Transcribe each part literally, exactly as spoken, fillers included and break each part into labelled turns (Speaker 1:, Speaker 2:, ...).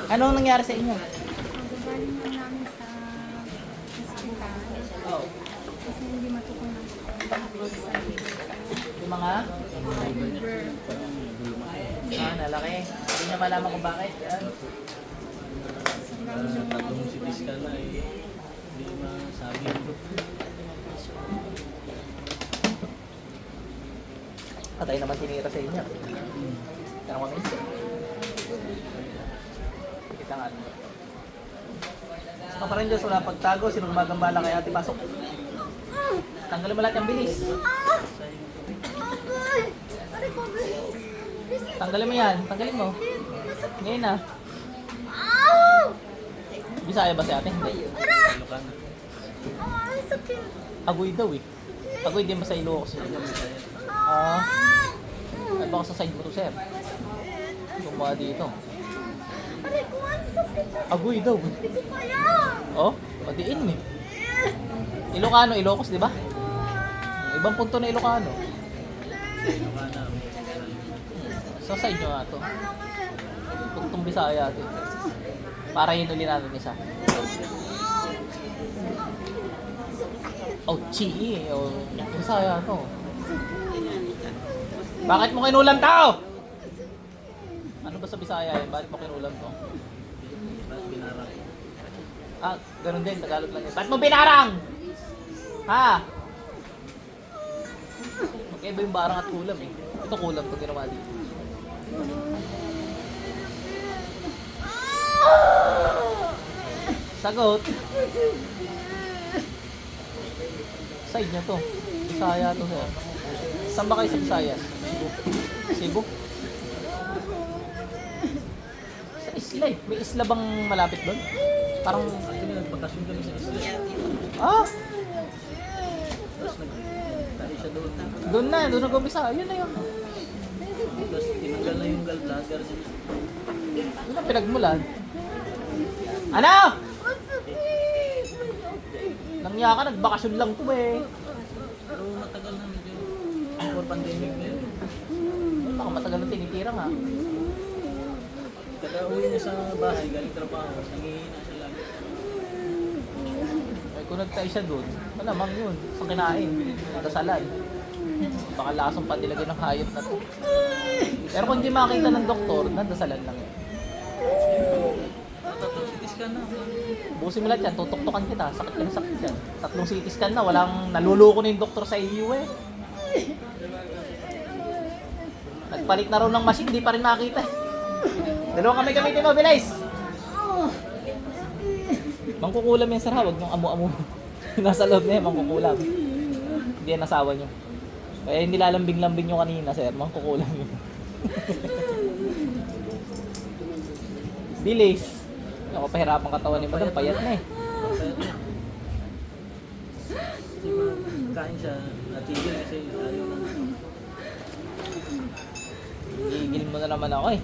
Speaker 1: Anong nangyari sa inyo?
Speaker 2: Galing na namin sa hospital.
Speaker 1: Oh.
Speaker 2: Kasi hindi matutunan sa
Speaker 1: Yung mga?
Speaker 2: liver.
Speaker 1: Ah, nalaki. Hindi niya malaman kung bakit. Yan.
Speaker 3: Tatlong C T scan na eh. Hindi masabi.
Speaker 1: Patay naman tinira sa inyo. Tanong kami. Kita nga. Sa kaparan Diyos, wala pagtago. Sinong magambala kay ate pasok? Tanggalin mo lahat yung bilis. Tanggalin mo yan. Tanggalin mo. Ngayon na. Bisaya ba si ate? Hindi.
Speaker 3: Ilocana.
Speaker 1: Agoy daw eh. Agoy din ba sa Ilocos? Ah. Ay baka sa side mo to, sir. Gumawa dito. Agoy daw. Oh, padiin eh. Ilocano, Ilocos, di ba? Ibang punto na Ilocano.
Speaker 3: Ilocana.
Speaker 1: Sa side nyo nga to. Tugtong Bisaya ito. Para yun uli natin isa. Oh, chi eh. Oh, Bisaya to. Bakit mo kinulam tao? Ano ba sa Bisaya eh? Bakit mo kinulam to?
Speaker 3: Bakit binarang?
Speaker 1: Ah, ganun din. Tagalog lang yun. Bakit mo binarang? Ha? Magkaiba yung barang at kulam eh. Ito kulam to ginawa dito. Sagot. Side niya to. Bisaya to sir. Saan ba kayo sa Visayas? Cebu? Sa isla eh. May isla bang malapit doon? Parang...
Speaker 3: Actually, nagpakasyon kami sa isla.
Speaker 1: Ah!
Speaker 3: Tapos nagtayo siya doon.
Speaker 1: Doon na. Doon nag-umpisa. Yun na yun.
Speaker 3: Tapos tinanggal na yung gallbladder.
Speaker 1: Yun ang pinagmulan. Ano? Nangya ka, nagbakasyon lang to eh.
Speaker 3: Pero matagal na medyo. Before pandemic na yun.
Speaker 1: Baka matagal na tinitira nga.
Speaker 3: Kada uwi niya sa bahay, galing trabaho, nangihina siya lagi.
Speaker 1: Ay kung nagtay siya doon, malamang yun. Sa kinain, nadasalan. Baka lasong pandilagay ng hayop na to. Pero kung hindi makita ng doktor, nadasalan lang yun.
Speaker 3: Tatlong C T scan na.
Speaker 1: Busin mo lahat yan, tutok-tokan kita. Sakit ka na sakit yan. Tatlong C T scan na, walang naluloko na yung doktor sa iyo eh. Nagpalit na raw ng machine, di pa rin makita eh. Dalawang kami gamitin mo, bilis! Mangkukulam yan sir ha, huwag niyong amu-amu. Nasa loob na yan, mangkukulam. Hindi yan asawa niyo. Kaya hindi lalambing-lambing nyo kanina sir, mangkukulam yun. Bilis! Ako pahirapan katawan ni madam, payat na eh.
Speaker 3: Kasi kain siya, natigil kasi ayaw na.
Speaker 1: Gigil mo na naman ako eh.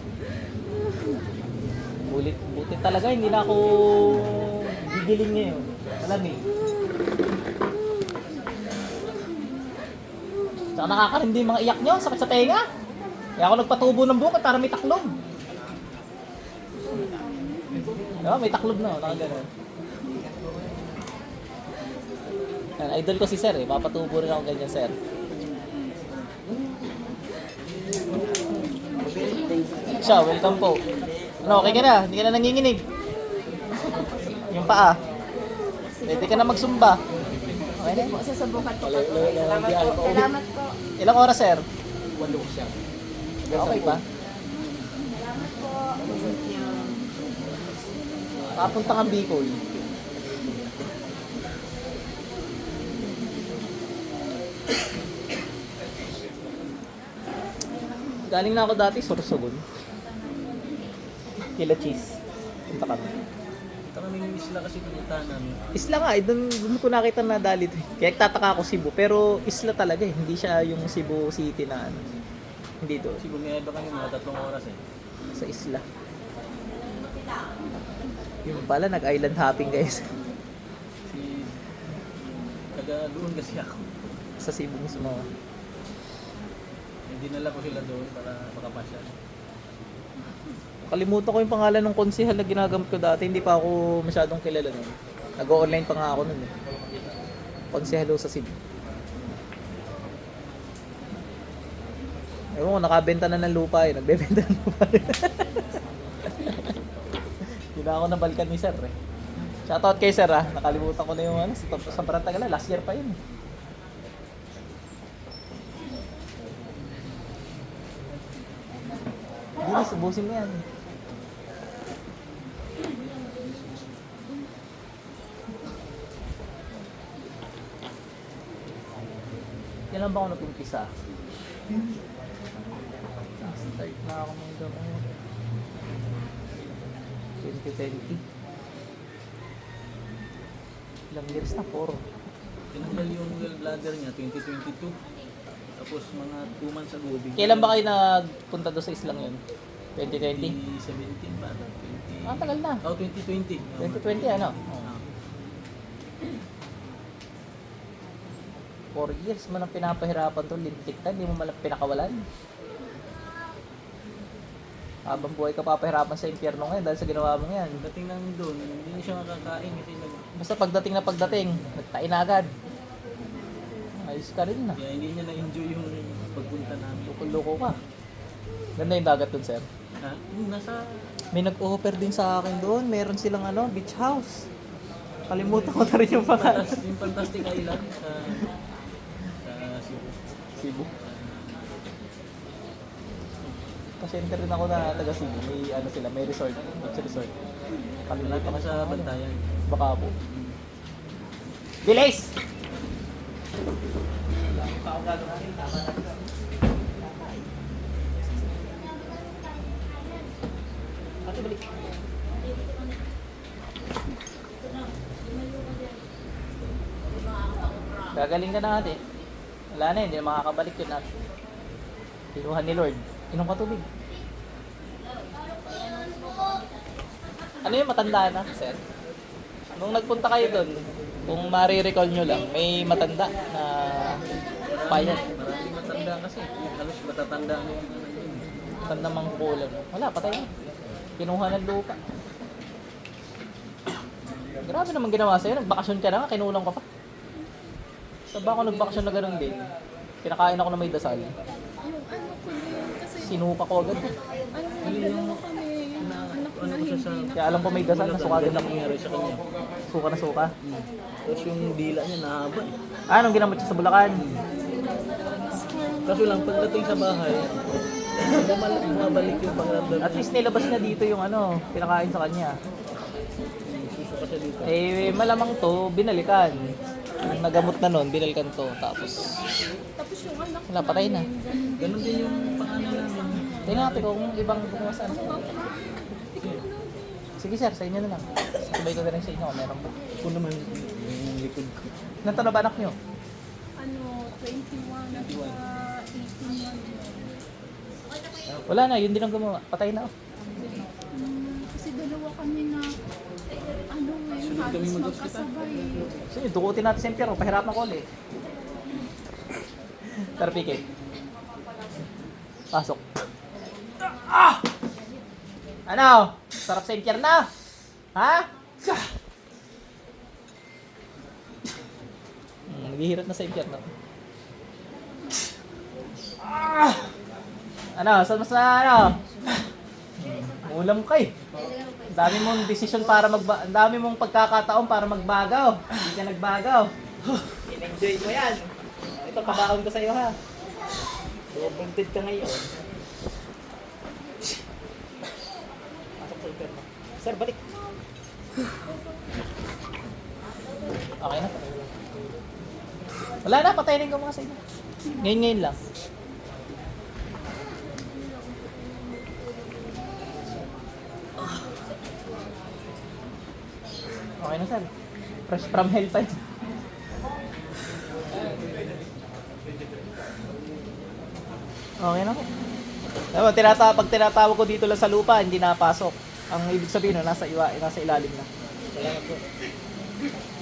Speaker 1: Bulit, buti talaga, hindi na ako gigilin ngayon. Alam eh. Tsaka nakakarindi yung mga iyak nyo, sakit sa tenga. Kaya ako nagpatubo ng buko para may taklob. Diba, may taklob na, nakagano'n. Yan, idol ko si sir eh, papatubo rin ako ganyan sir. Siya, welcome po. Ano, okay ka na? Hindi ka na nanginginig. Yung paa. Pwede ka na magsumba. Okay na?
Speaker 2: Po, sasubukan ko pa po. Salamat po. Salamat po.
Speaker 1: Ilang oras, sir?
Speaker 3: Walo siya.
Speaker 1: Okay pa?
Speaker 2: Salamat po.
Speaker 1: Papunta kang Bicol. Galing na ako dati, Sorsogon. Kila cheese. Punta kami.
Speaker 3: Ito kami yung isla kasi pinuntahan namin.
Speaker 1: Isla nga, eh, doon, doon ko nakita na dali to. Kaya tataka ako Cebu, pero isla talaga eh. Hindi siya yung Cebu City na ano. Hindi doon.
Speaker 3: Kasi bumiyay ba kami mga tatlong oras eh.
Speaker 1: Sa isla. Yung pala, nag-island hopping guys.
Speaker 3: Si... Taga doon kasi ako.
Speaker 1: Sa Cebu mismo.
Speaker 3: Dinala ko sila doon para makapasya.
Speaker 1: Nakalimutan ko yung pangalan ng konsehal na ginagamit ko dati. Hindi pa ako masyadong kilala nun. Nag-online pa nga ako nun eh. Konsehalo sa Cebu. Ewan ko, nakabenta na ng lupa eh. Nagbebenta ng lupa rin. Hindi na ako nabalikan ni sir eh. Shoutout kay sir ah. Nakalimutan ko na yung ano, sa, sa Barantagala. Last year pa yun eh. Hindi na, subusin mo yan. Kailan ba ako nag-umpisa? Start na ako ng gamot. twenty twenty. Ilang years na? four.
Speaker 3: Tinanggal yung gallbladder niya, twenty twenty-two. Tapos mga two months ago, bigla-
Speaker 1: Kailan ba kayo nagpunta doon sa islang yun? twenty twenty?
Speaker 3: twenty seventeen ba? twenty...
Speaker 1: Ah, tagal na.
Speaker 3: Oh, twenty twenty.
Speaker 1: twenty twenty ano?
Speaker 3: Ah.
Speaker 1: four years mo nang pinapahirapan to, lintik ka, hindi mo malang pinakawalan. Habang buhay ka papahirapan sa impyerno ngayon dahil sa ginawa mo yan.
Speaker 3: Dating lang doon, hindi na siya makakain kasi nag...
Speaker 1: Basta pagdating na pagdating, nagtain na agad. Ayos ka rin na.
Speaker 3: Kaya hindi niya na-enjoy yung pagpunta namin.
Speaker 1: Loko-loko ka. Ganda yung dagat dun, sir.
Speaker 3: Ha? Yung nasa...
Speaker 1: May nag-offer din sa akin doon. Meron silang ano, beach house. Kalimutan ko na rin yung pangalan.
Speaker 3: Fantas- yung Fantastic Island sa... sa Cebu.
Speaker 1: Cebu. Pa-center rin ako na taga Cebu. May ano sila, may resort. Beach resort.
Speaker 3: Malapit
Speaker 1: Kalimutan ko
Speaker 3: na sa
Speaker 1: sa
Speaker 3: Bantayan.
Speaker 1: Baka po. Delays! Ate, balik. Gagaling ka na ate. Wala na, hindi na makakabalik yun ate. Kinuha ni Lord. Inom ka tubig. Ano yung matanda na, sir? Nung nagpunta kayo doon, kung marirecall nyo lang, may matanda na payat.
Speaker 3: Maraming matanda kasi. Halos matatanda na yung ano yun.
Speaker 1: Matanda mang kukulan. Wala, patay na. Kinuha ng lupa. Grabe naman ginawa sa'yo. Nagbakasyon ka na nga, kinulang ka pa. Saan ba ako nagbakasyon na ganun din? Pinakain ako na may dasal.
Speaker 2: Yung ano ko yun, kasi
Speaker 1: Sinuka ko agad.
Speaker 2: ano, dalawa kami, yung anak ko na
Speaker 3: Ano ko siya sa...
Speaker 2: hindi na.
Speaker 1: Kaya alam ko may dasal, nasuka agad
Speaker 3: Ganun
Speaker 1: ako.
Speaker 3: nangyari sa kanya.
Speaker 1: Suka na suka.
Speaker 3: Hmm. Tapos yung dila niya nahaba eh.
Speaker 1: Ah, anong ginamot siya sa Bulacan?
Speaker 3: Kaso lang, pagdating sa bahay, bumalik, bumabalik yung pangramdam
Speaker 1: At least nilabas niya dito yung ano, pinakain sa kanya.
Speaker 3: Susuka siya dito.
Speaker 1: Eh, malamang to, binalikan. Nung nagamot na nun, binalikan to. Tapos,
Speaker 2: Tapos yung anak ko
Speaker 1: wala, patay na.
Speaker 2: ganun
Speaker 3: Ganon din yung pangalan namin.
Speaker 1: Tingnan natin kung ibang bukasan. Sige sir, sa inyo na lang. Sabay ko na rin sa inyo kung meron pa.
Speaker 3: Ako naman, yung likod ko.
Speaker 1: Ilan taon na ba anak nyo?
Speaker 2: ano, twenty-one at saka eighteen months.
Speaker 1: Wala na, yun din ang gumawa. Patay na. oh.
Speaker 2: Hmm, kasi dalawa kami na, ano ngayon,
Speaker 3: Sunod kami
Speaker 2: halos
Speaker 3: mag-hospital.
Speaker 2: magkasabay.
Speaker 1: Sige, dukutin natin sa impyerno. Pahirapan ko ulit. Sir, pikit. Pasok. Ah! Ano? Sarap sa impyerno? Ha? Hmm, naghihirap na sa impyerno. Ah! Ano? Saan mas na ano? Hmm, ulam ka eh. Ang dami mong desisyon para magba... Ang dami mong pagkakataon para magbagaw. Hindi ka nagbagaw. In-enjoy mo yan. Ito, pabaon ko sa'yo ha. Bumpunted ka ngayon. Pasok sa impyerno. Sir, balik. Okay na. Wala na, patayin ko mga sa inyo. Ngayon-ngayon lang. Okay na, sir. Fresh from hell pa yun. Okay na po. Diba, tinata pag tinatawag ko dito lang sa lupa, hindi napasok. Ang ibig sabihin, no, nasa, iwa, nasa ilalim na. Salamat po.